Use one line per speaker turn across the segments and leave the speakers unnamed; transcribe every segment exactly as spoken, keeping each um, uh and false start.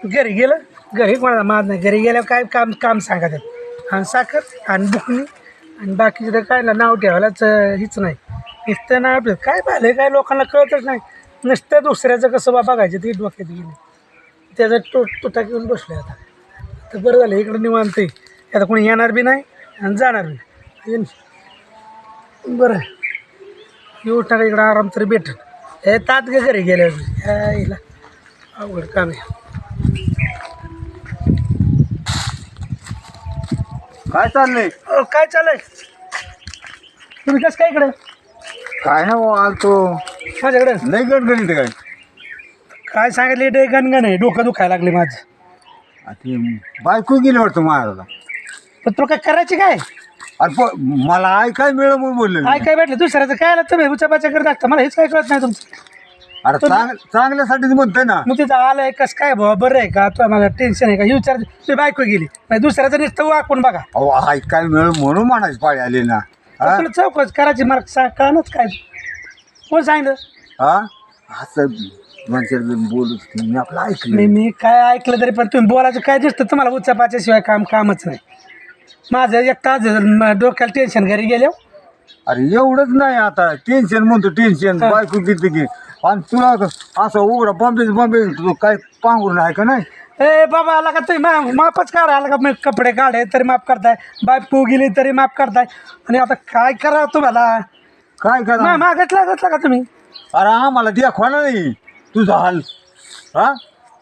घरी गेलं घरी कोणाला मात नाही घरी गेल्यावर काय काम काम सांगतात आणि साखर आणि बुकणी आणि बाकीचं तर काय ना नाव ठेवायलाच हीच नाही नुसतं नाव ठेव काय पाहिलं काय लोकांना कळतच नाही नुसतं दुसऱ्याचं कसं बा बघायचं ते डोक्यात गेलं त्याचा तो तुटा घेऊन बसलो आता तर बरं झालं इकडं निवांत आहे आता कोणी येणार बी नाही आणि जाणार बी बरं येऊ टाका इकडं आराम तरी भेटेल हे तात गे घरी गेल्यावर यायला अवघड काम आहे
काय चाललंय
अहो, काय चालय तुम्ही कसं काय इकडे
काय ना भाऊ आलतो
माझ्याकडे
लय गणगणित काय
काय सांगितले डे गणगण आहे डोकं दुखायला लागले माझं
आ ती बायको गेली वाटतं महाराजला
पण तुला काय करायची काय
अरे प- मला आय काय मिळलं म्हणून बोलले
काय काय भेटलं दुसऱ्याचं काय आलं तुम्ही उचापाच्या करत असता मला हेच काय कळत नाही तुमचं
अरे चांग चांगल्यासाठीच म्हणतोय ना
मग तिथं आलंय कसं काय भाऊ बरं आहे का तुला मला टेन्शन आहे का हे विचार तुझी बायको गेली नाही दुसऱ्याचं नुसतं वाकून बघा
अहो आय काय मिळ म्हणून म्हणायची पाळी आली ना हा
तुला चौकच करायची मला सांग कळणच काय कोण सांगितलं
हा असं म्हणजे बोलत मी आपलं ऐकलं
मी मी काय ऐकलं तरी पण तुम्ही बोलायचं काय दिसतं तुम्हाला उचापाच्या शिवाय काम कामच नाही माझं एक तास झालं, डोक्याला टेन्शन घरी गेलो
अरे एवढंच नाही आता टेन्शन म्हणतो टेन्शन
हा.
बायको किती की आणि तुला असं उघडा बॉम्बे बॉम्बे तू काय पांघरून आहे का नाही
ए बाबा आला का तुम्ही मा मापच काढा आला का मी कपडे काढे तरी माफ करताय बायको गेली तरी माफ करताय आणि आता काय करा तुम्हाला
काय करा
मा मागतला घेतला का तुम्ही
अरे आम्हाला दाखवा ना नाही तुझा हाल हा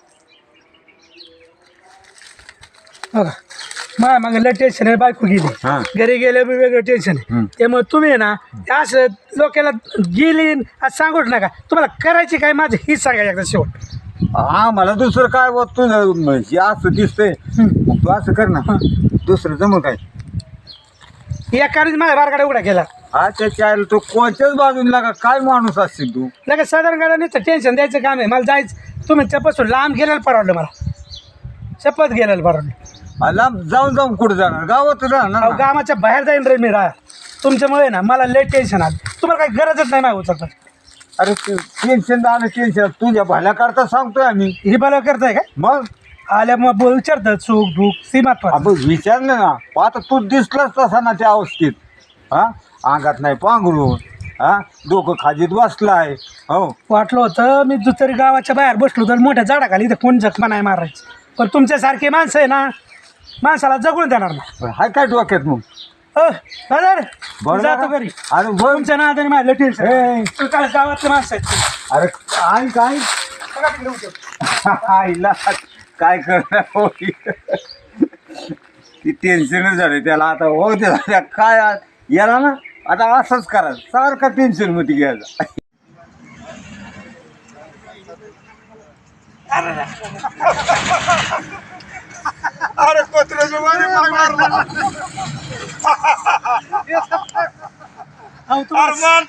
बघा मा मग लय टेन्शन आहे बायको गेली
हा.
घरी गेले बी वेगळं टेन्शन आहे
हम्म.
त्यामुळे तुम्ही आहे ना असं लोकांना गेली आज सांगूच नका तुम्हाला करायची काय माझं हीच सांगा एकदा शेवट
आम्हाला दुसरं काय होत तुझं म्हणजे असं दिसतंय
हम्म.
मग तू असं कर ना दुसरं जमं काय
एकानेच माझ्या बारगाडा उघडा केला
हा त्याच्या आईला तू कोणत्याच बाजूला लागा काय माणूस असशील तू
लगेच साधारण गाडा नाही टेन्शन द्यायचं काम आहे मला जायचं तुम्ही त्यापासून लांब गेलेलं परवडलं मला शपथ गेलेलं परवडलं
आ, लांब जाऊन जाऊन कुठं जाणार गावात राहणार
अहो
ना.
गावाच्या बाहेर जाईन रे मी राहा तुमच्यामुळे ना मला लय टेन्शन आलं तुम्हाला काही गरजच नाही माझ्या उचलता
अरे टेन्शन आलं टेन्शन तुझ्या भल्या करता सांगतोय आम्ही
ही बला करताय का
मग
आल्या मग बोल विचारतात सुख दुःख सीमात
आपण विचारलं ना आता तू दिसलाच तसा ना त्या अवस्थेत हा अंगात नाही पांघरून हा डोकं खाजीत बसलाय हो
वाटलं होतं मी दुसरी गावाच्या बाहेर बसलो तर मोठ्या झाडाखाली इथं कोण जखमा नाही मारायचं पण तुमच्यासारखे माणसं आहे ना माणसाला जगून देणार ना
हाय काय डोक्यात मग
अ दादा
बरं
जातो
ना?
घरी
अरे बघ
तुमच्या नादाने माझं टेन्शन
ए.
काय गावातले माणसं आहेत तुम्ही.
अरे काय काय
बघा तिकडे उद्या.
आईला काय करणार ती टेन्शनच झालं त्याला आता हो त्याला काय आ- याला ना आता असंच करा सारखं टेन्शन मध्ये घ्यायचं
अरे पत्राच्या मागे माग मारला. अहो, तुम्हाला-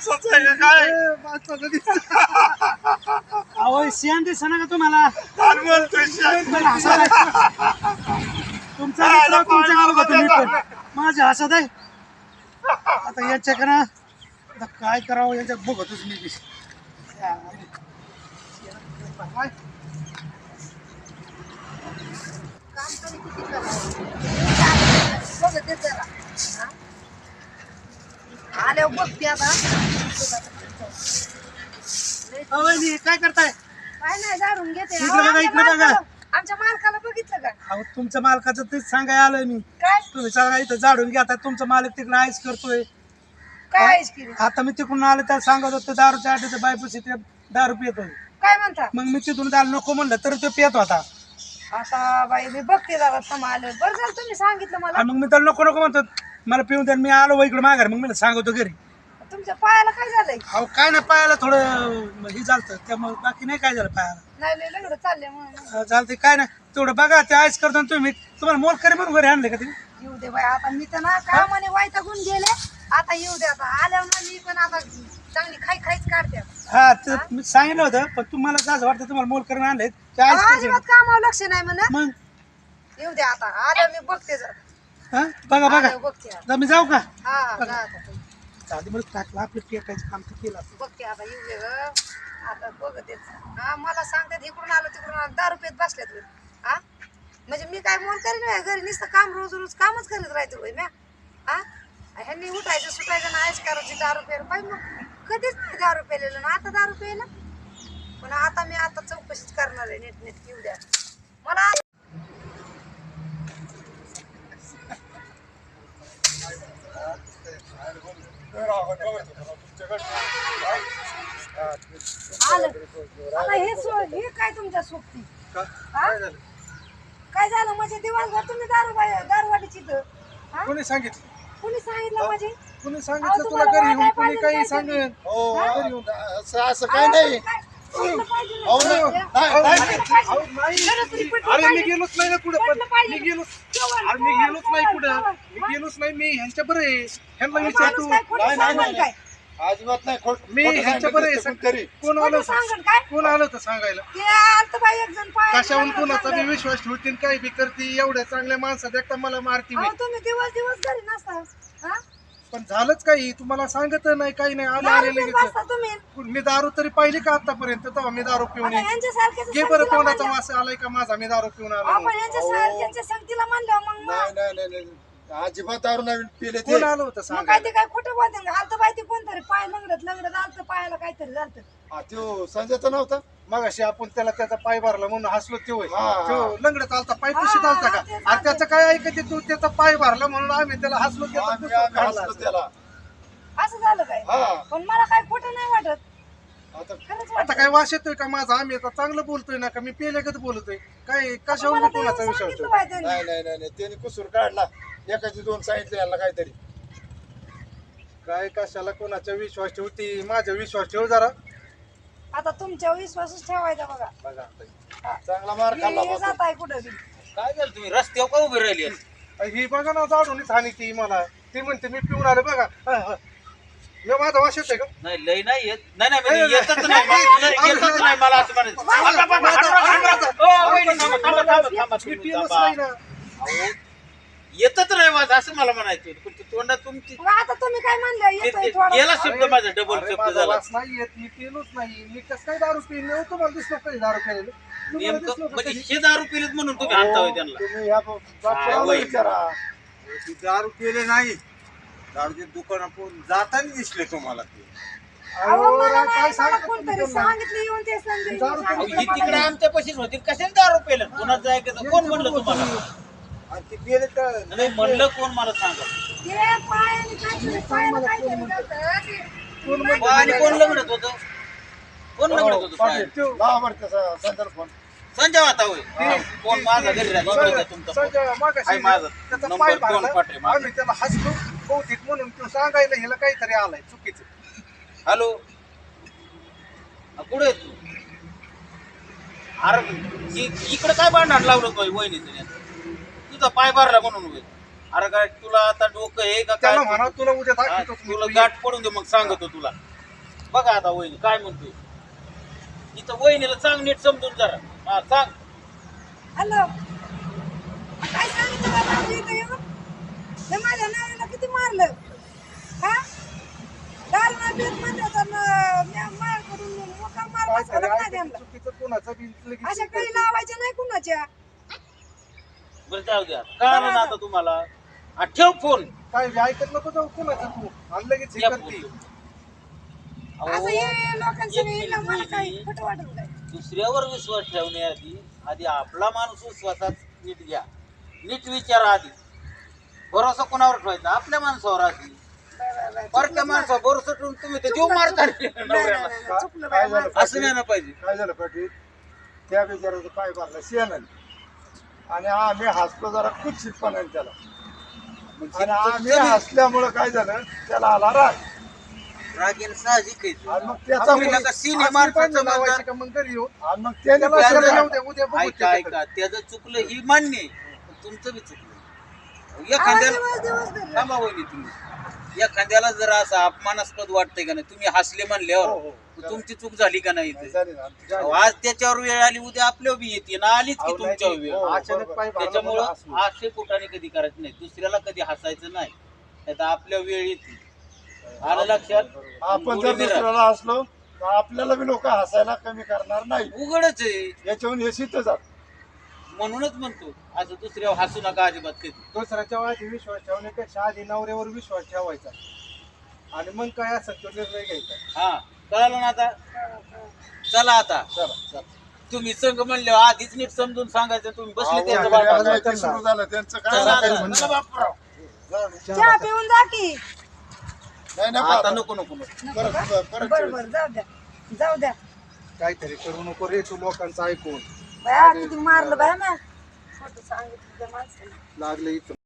अहो, शियान दिसेना का तुम्हाला तुम्हाला हसायला तुमचा मित्र तुमच्या गावात होतो मी पण. माझ्या हसत आहे आता याच्याकडं आता काय करावं याच्यात बघतोच मी बी. काय?
आले बघते आता
अहो, वहिनी, काय करताय
काय नाही जाणून घेते
इकडं
अहो,
बघा,
आमच्या
इकडं बघा.
मालकाला- आमच्या मालकाला बघितलं का
अहो तुमच्या मालकाचं तेच सांगायला आलोय मी
काय
तुम्ही सगळा इथं झाडून घेता तुमचा मालक तिकडे आईस करतोय
काय आहेस की रे?
आता मी तिकडून आलो त्या सांगत होतो दारूच्या आठवते बायपाशी ते दारू पितोय
काय म्हणता
मग मी तिथून त्याला नको म्हणलं तर तो पित होता
आता बाई मी बघते दादा थांबा आलं बरं झालं तुम्ही सांगितलं मला
आणि मग मी त्याला नको नको म्हणतो मला पिऊन द्या मी आलो वय इकडे माघार मग मी सांगतो घरी
तुमच्या पायाला काय झालंय
अहो काय नाही पायाला थोडं हे झालं त्यामुळे बाकी नाही काय झालं पायाला
नाही लय लंगडं चालले म्हणून
अं, चालतंय काय नाही तेवढं बघा ते आईस करतो ना तुम्ही तुम्हाला मोल करी म्हणून घरी आणले का ते
येऊ दे बाई आता मी तर ना कामाने वैतागून गेले आता येऊ दे आता आल्यावर ना मी पण आता चांगली खाई खाईच काढते आता.
हा ते मी सांगितलं होतं पण तुम्हाला असं वाटतं तुम्हाला मोल करून आणले ते आईस
अहो,
करतो
अजिबात कामावर लक्ष नाही म्हणा
मग
येऊ दे आता आल्यावर मी बघते जरा.
हा बघा बघा
आल्यावर बघते आता.
आता मी जाऊ का
हा जा आता तुम्ही.
चालते मला टाकलं आपलं पेटायचं काम तर केलं असतं.
बघते आता येऊ दे ग आता बघते हा मला सांगतात इकडून आलो तिकडून आलो दहा रुपयात बसल्यात हा म्हणजे मी काय मोल करीन व्हय? घरी नुसतं काम रोज रोज कामच करत राहायचं होय म्या हा ह्यांनी उठायचं सुटायचं ना आयश करायची दारू प्यायला पाहिजे मग कधीच नाही दारू प्यायलेलं ना आता दारू प्यायला पण आता मी आता चौकशीच करणार आहे नीट नीट येऊ द्या मला आलं आता हे सो हे काय तुमच्या सोबती हा? काय झालं म्हणजे दिवसभर तुम्ही दारू बाई- दारूवाडीची इथं हा?
कोणी सांगितलं
कुणी सांगितलं म्हणजे
कोणी
अहो,
सांगितलं तुला
तुम्हाला
घरी येऊन
वाटाय
कोणी
पाहिजे
काही
काय
सांगेल
हो
हा?
असं असं काय नाही
काय- पटलं पाहिजे ना.
अहो, नाही,
पटलं
नाही, नाही.
पाहिजे.
अहो, नाही.
खरंच तरी पटलं
अरे मी
पाहिजे.
गेलोच नाही ना कुठं पण
पटलं पाहिजे.
मी गेलो
केवळ-
अरे मी गेलोच नाही
केवळ-
कुठं
केवळ.
मी गेलोच नाही मी ह्यांच्या बरं आहे ह्यांना
माणूस
विचारतो
काय खोटं
नाही, नाही,
सांगेल
नाही.
काय?
अजिबात नाही खोट
मी
खोटं
ह्यांच्या
सांगितलं
बरं आहे
असतं कोणतरी.
कोण आलं
खोटं सांगेल काय?
कोण आलं तर सांगायला
ते आलतं बाई एक जण पायाला
कशाहून
लागलं
कोणाचा बी
चांगलं.
विश्वास ठेवतील काय बी करते एवढ्या चांगल्या माणसात एकटा मला मारती
अहो,
होय.
तुम्ही दिवस दिवस घरी नसता हा?
पण झालंच काही तुम्हाला सांगत नाही काही नाही आले
दारू
आले
पिऊन
लगेच
बसता तुम्ही
मी दारू तरी पाहिली का आतापर्यंत तेव्हा मी दारू पिऊन
आता
येईन.
यांच्यासारख्याच्या
घे बरं
संगतीला
तोंडाचा
म्हणलं-
वास आलाय का माझा मी दारू पिऊन आलो
आपण
म्हणून.
यांच्यासारख्यांच्या संगतीला म्हणलं मग मग
नाही नाही नाही नाही. अजिबात दारू नाही पिले ते
कोण आलं होतं
मग काय
सांगायला
ते काय खोटं बोलते आलतं बाई ते कोणतरी पाय लंगडत लंगडत आलतं पायाला काहीतरी झालं
हा, त्यो संजयचा नव्हता
मग अशी आपण त्याला त्याचा पाय भरला म्हणून हसलो ते होय
हा, हा.
तो लंगडत आलता पाय
हा,
पुशीत आलता का
हा, तेच
आणि त्याचं काय ऐकते तू त्याचा पाय भरला म्हणून आम्ही त्याला हसलो त्याचा
आम्ही-
पुसून
आम्ही
काढला
हसलो
असं.
त्याला
असं झालं काय
हा
पण मला काय खोटं नाही वाटत
आता
खरंच
आता
वाटत
काय वास येतोय का माझा आम्ही आता चांगलं बोलतोय ना का मी पेलेगत बोलतोय काय कशावर
मला
मी
तर
कोणाचा
येऊन
विश्वास
सांगितलं
ठेवतो
बाई त्यांनी.
नाही नाही नाही नाही. त्याने कुसूर काढला एकाची दोन सांगितले याला काहीतरी
काय कशाला कोणाचा विश्वास ठेवती माझा विश्वास ठेव जरा
आता तुमच्या विश्वासच ठेवायचा बघा
बघा आता.
चांगला मार खाल्ला
हे
बा
जात आहे कुठं बी
काय झालं तुम्ही रस्त्यावर का उभी राहिली
ही बघा ना जाडूनच हानी ती मला ती म्हणते मी पिऊन आले बघा हा, हा. मी माझा वास येतोय का
नाही लय नाही येत नाही नाही म्हणजे येतच नाही मला- नाही, येतच नाही मला असं म्हणायचं थांबा, थांबा, थांबा, थांबा, थांबा. ओ, वहिनी, थांबा, थांबा, थांबा, थांबा,
मी
तुम्ही
पिलोच
थांबा.
नाही ना
अहो, येतच नाही माझं असं मला म्हणायचं होतं. पण ते तोंडात तुमची
मग आता तुम्ही काय म्हणलं
ते-
येतोय
ते-
थोडं
गेला शब्द माझा डबल
अरे,
शब्द
माझा
झाला
वास नाही येत मी पिलोच नाही मी कसं काय दारू पिऊन नाही तुम्हाला दिसलो कधी दारू पिलेलं तुम्हाला
नेमकं
दिसलो का
म्हणजे
कधी?
हे दारू पिलेत म्हणून तुम्ही आणता होय त्यांना
तुम्ही ह्या
काय
बापशाला
होय?
विचारा
ती दारू केले नाही दारूचे दुकान जाताना दिसले तुम्हाला ते
अहो,
अहो,
मला
काय
नाही, मला
सांगता
कोणतरी
तुम्ही त्यांना?
सांगितलं येऊन ते संजय
दारू
अहो,
सांगितलं
ही
मला.
तिकडे आमच्या पशीच होती कशाने दारू पेलं कोणाचं ऐकायचं कोण म्हणलं तुम्हाला
आणि ते गेले तर
नाही म्हणलं कोण मला सांगा
ते पायाने काहीतरी पायाला काहीतरी झालं. ते-
वा, आणि कोण लग्नत होतं कोण लग्नत होतं
पाटील
साहेब?
लावा बरं त्याचा संजयला फोन
संजय आता होय कोण माझा घरी राहिला इकडे द्या तुमचा फोन.
संजय मागाशी
आहे माझा.
त्याचा
नंबर
पाय
दोन
भरला.
पाठवे माझा.
आम्ही त्याला हसलो बहुतेक म्हणून तो सांगायला ह्याला काहीतरी आलाय चुकीचं
हॅलो हा, कुठे आहे तू अरे इ- इकडे काय भांडण लावलं पाहिजे वहिनीचं तुझा पाय भरला म्हणून होय अरे काय तुला आता डोकं हे का काय
त्याला म्हणा तुला उद्या
हा,
दाखवतो
तुला
मी.
गाठ पडून दे मग सांगतो तुला बघा आता वहिनी काय म्हणतोय इथं वहिनीला सांग नीट समजून जरा हा सांग
हॅलो काय सांगितलं बाबा आमच्या इथं येऊन हे माझ्या नवऱ्याला किती मारलं हा दारू नाही पीत म्हणलं तर न- म्या माझ्याकडून मोठा मार
काय
बसवला
झालं?
नाही
ऐकायचं
त्यांना
चुकीचं कोणाचं बी लगेच
अशा
करते.
काही लावायच्या नाही कुणाच्या
बरं जाऊ द्या काय म्हणा आता तुम्हाला हा, ठेव फोन
काय बी ऐकत नको जाऊ कोणाचं तू आणि लगेच हे
या
करते
फोन.
असं
अहो,
हे लोकांचं
एक
हे मला
मिनिट
काही
वहिनी.
खोटं वाटत काय
दुसऱ्यावर विश्वास ठेवण्याआधी आधी आपला माणूस विश्वासात नीट घ्या नीट विचारा आधी भरोसा कोणावर ठेवायचा आपल्या माणसावर आधी परक्या माणसावर भरोसा ठेवून तुम्ही तर जीव मारता
नाही, नाही,
नवऱ्याला
नाही, नाही, चुकलं
काय
बाई
झालं?
माझं.
असं नाही ना पाहिजे
काय झालं पाटील त्या बिचाराचं पाय भरला शेणाने आणि आम्ही हसलो जरा कुत्सितपणाने त्याला आणि आम्ही हसल्यामुळं काय झालं त्याला आला राग
रागेन साहजिक आहे
आणि मग त्याचा
आपल्याला का सिने
असली
माणसाचं
पण लावायची
म्हणतात.
का मग घरी येऊन
आणि मग त्याने
त्याला
बसवलं
शेणाला
राग.
उद्या उद्या बघू
ऐका
त्याच्याकडे.
ऐका त्याचं चुकलं ही मान्य आहे पण तुमचं बी चुकलं
आवाज
एखाद्याला
दिवस दिवस धरला.
थांबा वहिनी तुम्ही एखाद्याला जर असं अपमानास्पद वाटतंय का नाही तुम्ही हसले
हो,
म्हणल्यावर
हो.
मग तुमची चूक झाली का नाही इथे?
झाली ना, आमची झाली.
अहो, आज त्याच्यावर वेळ आली उद्या आपल्यावर बी येते ना आलीच की
अहो, नाही,
तुमच्यावर वेळ
हो,
अचानक
बरोबर.
पाय भरला
त्याच्यामुळं
म्हणून हसलो.
आशे पोटाने कधी करायचं नाही दुसऱ्याला कधी हसायचं नाही नाही तर आपल्या वेळ येते आलं लक्षात
आपण जर
गोडी बिरा.
दुसऱ्याला हसलो तर आपल्याला बी लोक हसायला कमी करणार नाही
उघडच आहे
याच्याहून हे सिद्ध जात
म्हणूनच म्हणतो असं दुसऱ्यावर हसू नका अजिबात कधी.
दुसऱ्याच्या आधी विश्वास ठेवण्यापेक्षा आधी नवऱ्यावर विश्वास ठेवायचा आणि मग काय असेल तो निर्णय घ्यायचा.
हा कळालं ना आता. चला आता
चला चला.
तुम्ही संघ म्हणले आधीच नीट समजून सांगायचं. तुम्ही बसले त्यांचं
अहो,
बापाचं.
वाजायचं सुरू झालं त्यांचं काय
चला
सांगायचं
आता.
म्हणणं?
चला बापराव.
चहा पिऊन जा की.
नाही नाही
आता
बाबा.
नको नको नको.
परत परत
बरं बरं जाऊ द्या जाऊ द्या.
काहीतरी करू नको रे तू लोकांचं ऐकून.
बाया किती मारलं बाया ना. खोटं सांगितलं त्या माणसाने.
लागले इथं